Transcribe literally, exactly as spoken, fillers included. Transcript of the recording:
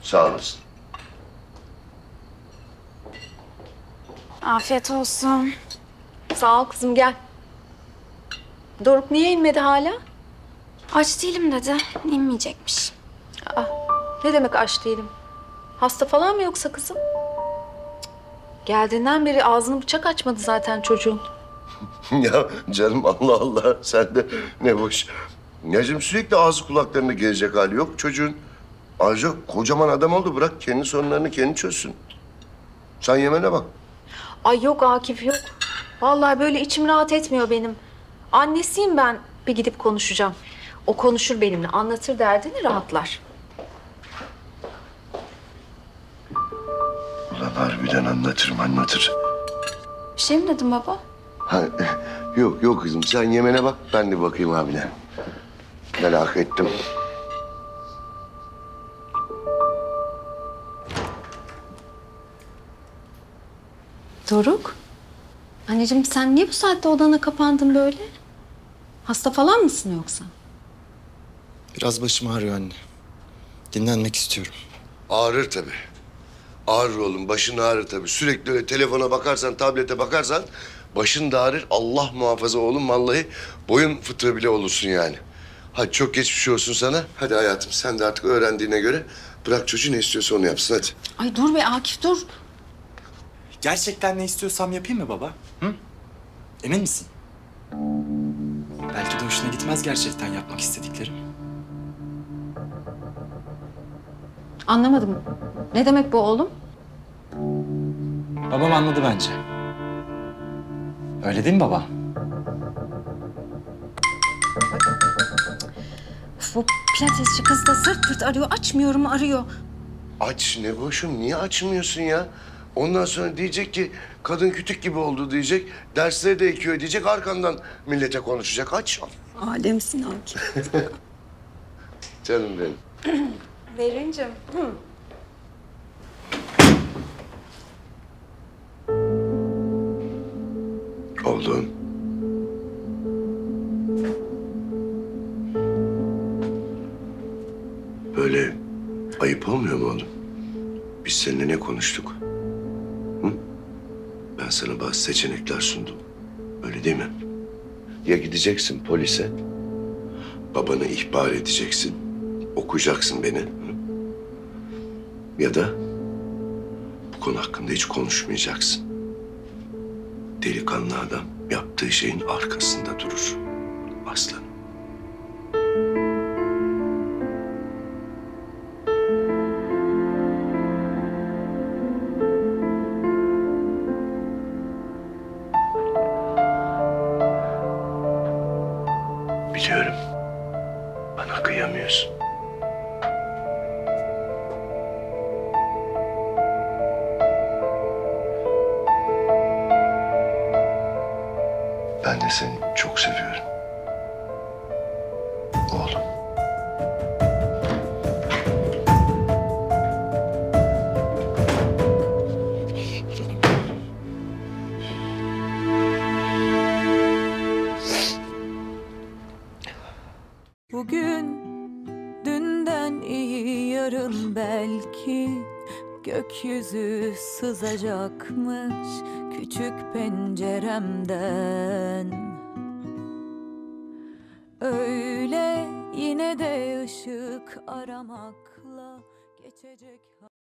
Sağ olasın. Afiyet olsun. Sağ ol kızım, gel. Doruk niye inmedi hala? Aç değilim dedi. İnmeyecekmiş. Ne demek aç değilim? Hasta falan mı yoksa kızım? Cık. Geldiğinden beri ağzını bıçak açmadı zaten çocuğun. Ya canım Allah Allah sen de ne boş. Yacığım sürekli ağzı kulaklarını gezecek hali yok çocuğun. Ayrıca kocaman adam oldu, bırak kendi sorunlarını kendi çözsün. Sen yemene bak. Ay yok Akif, yok. Vallahi böyle içim rahat etmiyor benim. Annesiyim ben. Bir gidip konuşacağım. O konuşur benimle, anlatır derdini, rahatlar. Ulan harbiden anlatırım anlatır. Bir şey mi dedim baba? Ha, yok yok kızım sen yemene bak, ben de bakayım abine. Merak ettim. Doruk. Anneciğim sen niye bu saatte odana kapandın böyle? Hasta falan mısın yoksa? Biraz başım ağrıyor anne. Dinlenmek istiyorum. Ağrır tabii. Ağrır oğlum, başın ağrır tabii. Sürekli öyle telefona bakarsan, tablete bakarsan başın da ağrır. Allah muhafaza oğlum, vallahi boyun fıtığı bile olursun yani. Hadi çok geçmiş olsun sana. Hadi hayatım sen de artık öğrendiğine göre bırak çocuğu ne istiyorsa onu yapsın hadi. Ay dur be Akif, dur. Gerçekten ne istiyorsam yapayım mı baba? Hı? Emin misin? Belki de hoşuna gitmez gerçekten yapmak istediklerim. Anlamadım. Ne demek bu oğlum? Babam anladı bence. Öyle değil mi baba? Bu pilatesçi kız da sırt pırt arıyor. Açmıyorum, arıyor. Aç ne boşum, niye açmıyorsun ya? Ondan sonra diyecek ki kadın kütük gibi oldu diyecek. Dersleri de ekiyor diyecek. Arkandan millete konuşacak. Aç. Alemsin Akif. Canım benim. Berincim. Oğlum. Böyle ayıp olmuyor mu oğlum? Biz seninle ne konuştuk? Hı? Ben sana bazı seçenekler sundum. Öyle değil mi? Ya gideceksin polise, babanı ihbar edeceksin, okuyacaksın beni. Hı? Ya da bu konu hakkında hiç konuşmayacaksın. Delikanlı adam yaptığı şeyin arkasında durur. Aslanım. Biliyorum. Bana kıyamıyorsun. Ben de seni çok seviyorum. Oğlum. Bugün dünden iyi, yarın belki gökyüzü sızacakmış küçük penceremden. Öyle yine de ışık aramakla geçecek.